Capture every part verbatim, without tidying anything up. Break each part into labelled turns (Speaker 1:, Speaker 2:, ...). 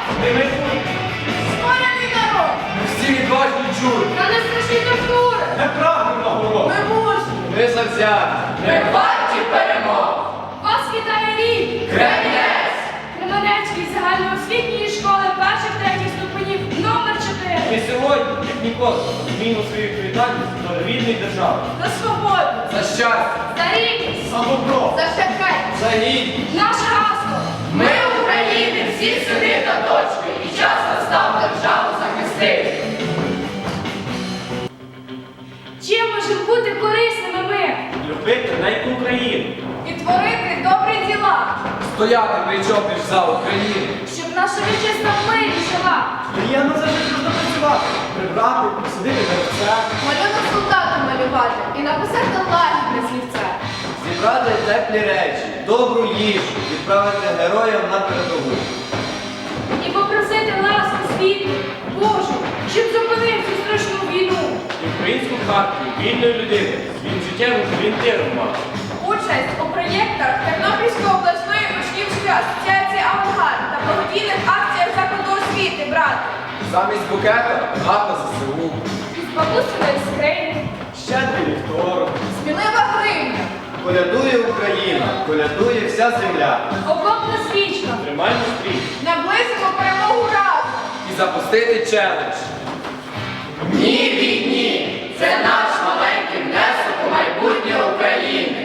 Speaker 1: Ми майбутнє.
Speaker 2: Скоряний народ!
Speaker 3: Ми всі відважні чули.
Speaker 2: Та не страшні тортури!
Speaker 1: Ми прагнемо нагород.
Speaker 2: Ми мужні!
Speaker 3: Ми завзяті.
Speaker 2: Ми варті перемог! Вас вітає рік!
Speaker 3: Кремінець!
Speaker 2: Кременецької загальноосвітньої школи перших третіх ступенів номер чотири.
Speaker 1: Ми сьогодні, як ніколи, зміну свою відповідальність до рідної держави.
Speaker 2: За свободу!
Speaker 3: За щастя.
Speaker 2: За рівність!
Speaker 1: За добро.
Speaker 2: За щедрість!
Speaker 3: За гідність.
Speaker 2: Наше гасло!
Speaker 3: Ми, України, всі сюди та точки. І час настав державу захистити.
Speaker 2: Чим можемо бути корисними ми?
Speaker 1: Любити неньку Україну.
Speaker 2: І творити добрі діла,
Speaker 3: Стояти причоплюєш за Україну.
Speaker 2: щоб наша вітчизна в мирі жила.
Speaker 1: Приємно завжди можна працювати. Прибрати, посадити деревця.
Speaker 2: Малюнок солдата малювати і написати лагідне слівце.
Speaker 3: Зібрати теплі речі, добру їжу, відправити героям на передову.
Speaker 2: І попросити ласку світу, Божу, щоб зупинив цю страшну війну.
Speaker 1: І українську хартію вільної людини своїм життєвим орієнтиром мати.
Speaker 2: Участь у проєктах Тернопільської обласної учнівської асоціації «Авангард» та благодійних акціях закладу освіти брати.
Speaker 3: Замість букета гата ЗСУ.
Speaker 2: Із бабусиної скрині,
Speaker 1: Щедрий ліхторок.
Speaker 2: смілива гривня,
Speaker 3: Колядує Україна, колядує вся земля.
Speaker 2: окопна свічка.
Speaker 1: Тримаймо стрій.
Speaker 2: Наблизимо перемогу разом.
Speaker 3: І запустити челендж. Ні війні! Це наш маленький внесок у майбутнє України.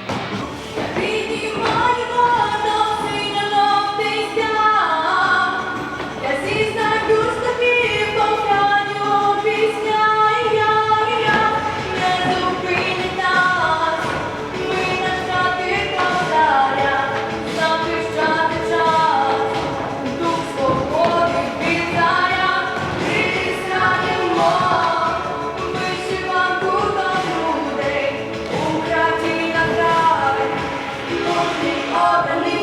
Speaker 2: Я зізнаю тобі, повстаню пісня, я-я, не зупинить нас. Ми нащадки козаря, захищати час. Дух свободи вітає, присягнемо. Вишиванку до людей, Україна край, мужній обраний.